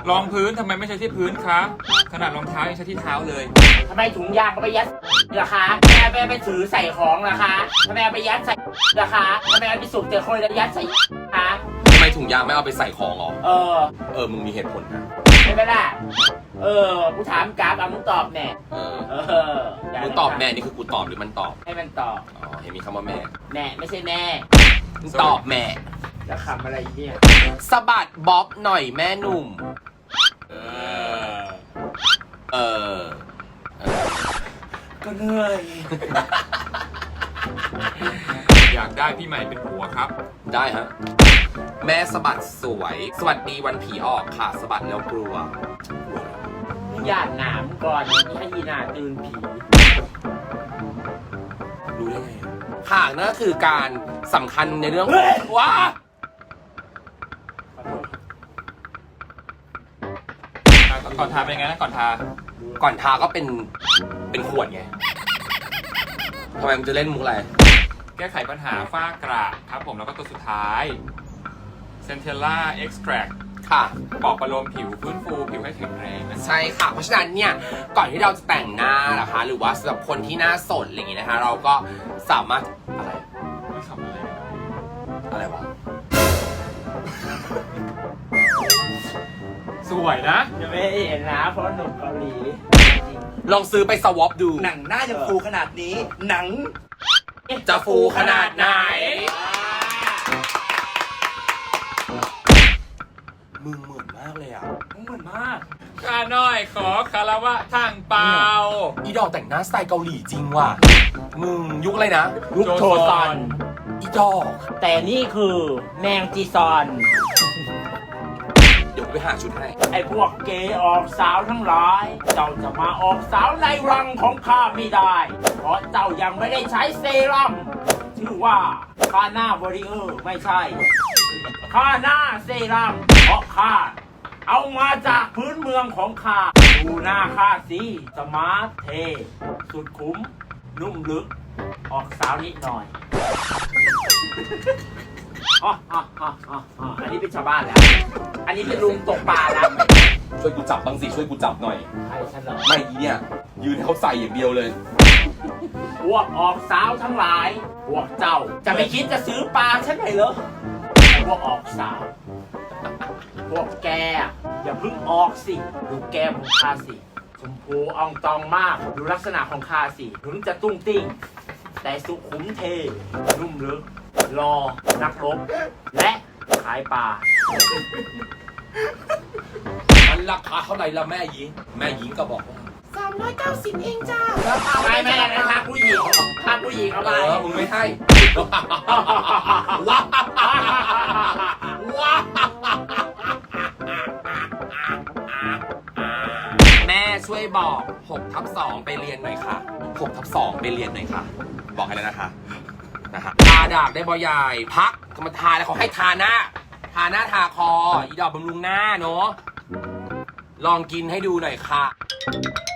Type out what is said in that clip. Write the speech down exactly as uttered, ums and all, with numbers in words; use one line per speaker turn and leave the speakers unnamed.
รองพื้นทำไมไม่ใช้ที่พื้นคะขนาดรองเท้ายังใช้ที่เท้าเลย
ทำไมถุงยางก็ไปยัดราคาแม่แม่ไปถือใส่ของราคาทำไมเอาไปยัดใส่ราคาทำไมเอาไปสูบเตะคนแล้วยัดใส่ราคา
ทำไมถุงยางไม่เอาไปใส่ของหรอ
เออ
เออมึงมีเหตุผลนะ
ใช่ไหมล่ะเออกูถามกราฟเอามึงตอบแน่
เออ
เออ
มึงตอบแม่นี่คือกูตอบหรือมันตอบ
ให้มันตอบ
อ๋อเห็นมีคำว่าแม่
แม่ไม่ใช่แม่
มึงตอบแม่
จะขำอะไรเนี่ย
สะบัดบ๊อบหน่อยแม่หนุ่มเออเออ
ก็เหนื่อย
อยากได้พี่ใหม่เป็นผัวครับ
ได้ฮะแม่สะบัดสวยสวัสดีวันผีออกค่ะสะบัดแล้วกลัว
มึงอยากหนามก่อนที่ให้ยีนาตื่นผี
รู้ได้ไงค่ะนั่นก็คือการสำคัญในเรื่องว้า
ก่อนทาเป็นไงนะก่อนทา
ก่อนทาก็เป็นเป็นขวดไงทำไมมันจะเล่นมุกอะไร
แก้ไขปัญหาฝ้ากระครับผมแล้วก็ตัวสุดท้ายเซนเทลล่าเอ็กซ์แทรค
ค่ะ
ปลอบประโลมผิวฟื้นฟูผิวให้แข็งแรงนะ
ใช่ค่ะเพราะฉะนั้นเนี่ยก่อนที่เราจะแต่งหน้านะคะหรือว่าสำหรับคนที่หน้าสดอะไรอย่างงี้นะคะเราก็สามารถอะไร
ไม่ทำอะไร
อะไรวะ
สวยนะ
จะไม่เห็นนะเพราะหนุ่มเกาหลี
ลองซื้อไปสวอปดู
หนังหน้ายังฟูขนาดนี้หนัง
จะฟูขนาดไหนมึงเหมือนมากเลยอ่ะ
มึงเหมือนมาก
ข้าน้อยขอคารวะทางเปล่า
อีดอกแต่งหน้าสไตล์เกาหลีจริงว่ะมึงยุคอะไรนะ
ยุคโชซอน
อีดอก
แต่นี่คือแมงจีซอน
เดี๋ยวไปหาชุดให้
ไอ้พวกเกย์ออกสาวทั้งหลายเจ้าจะมาออกสาวในรังของข้าไม่ได้เพราะเจ้ายังไม่ได้ใช้เซรั่มชื่อว่าคาหน้าวอริเออร์ไม่ใช่คาหน้าเซรั่มเพราะข้าเอามาจากพื้นเมืองของข้าดูหน้าข้าสิสมาร์ทเทสุดคุ้มนุ่มลึกออกสาวนิดหน่อยอ๋ออ๋ออ๋ออ๋ออันนี้เป็นชาวบ้านแล้วอันนี้เป็นลุงตกปลาแล้ว
ช่วยกูจับบางสิช่วยกูจับหน่อย
ใช่ฉันเหรอ
ไม่อีเนี่ยยืนให้เขาใส่อย่างเดียวเลย
พวกออกสาวทั้งหลายพวกเจ้าจะไม่คิดจะซื้อปลาฉันเลยเหรอพวกออกสาวพวกแกอย่าเพิ่งออกสิดูแก้มของข้าสิชมพูอ่องตองมากดูลักษณะของข้าสิถึงจะตุ้งติ้งแต่สุขุมเทนุ่มลึกรอนักรบและขายปลา
มันราคาเท่าไหร่ละแม่หญิงแม่หญิงก็บอกว่า
สามร้อยเก้าสิบเองจ้าไม่ไม่นะคะผู้หญิงถ้าผู้หญิงเอาไป
เออมึงไม่ให้ว้าว้าแม่ช่วยบอกหกทับสองไปเรียนหน่อยค่ะหกทับสองไปเรียนหน่อยค่ะบอกให้แล้วนะคะนะฮะทาดากได้บ่ใหญ่พักก็มาทาแล้วเขาให้ทาหน้าทาหน้าทาคออีดอกบำรุงหน้าเนาะลองกินให้ดูหน่อยค่ะ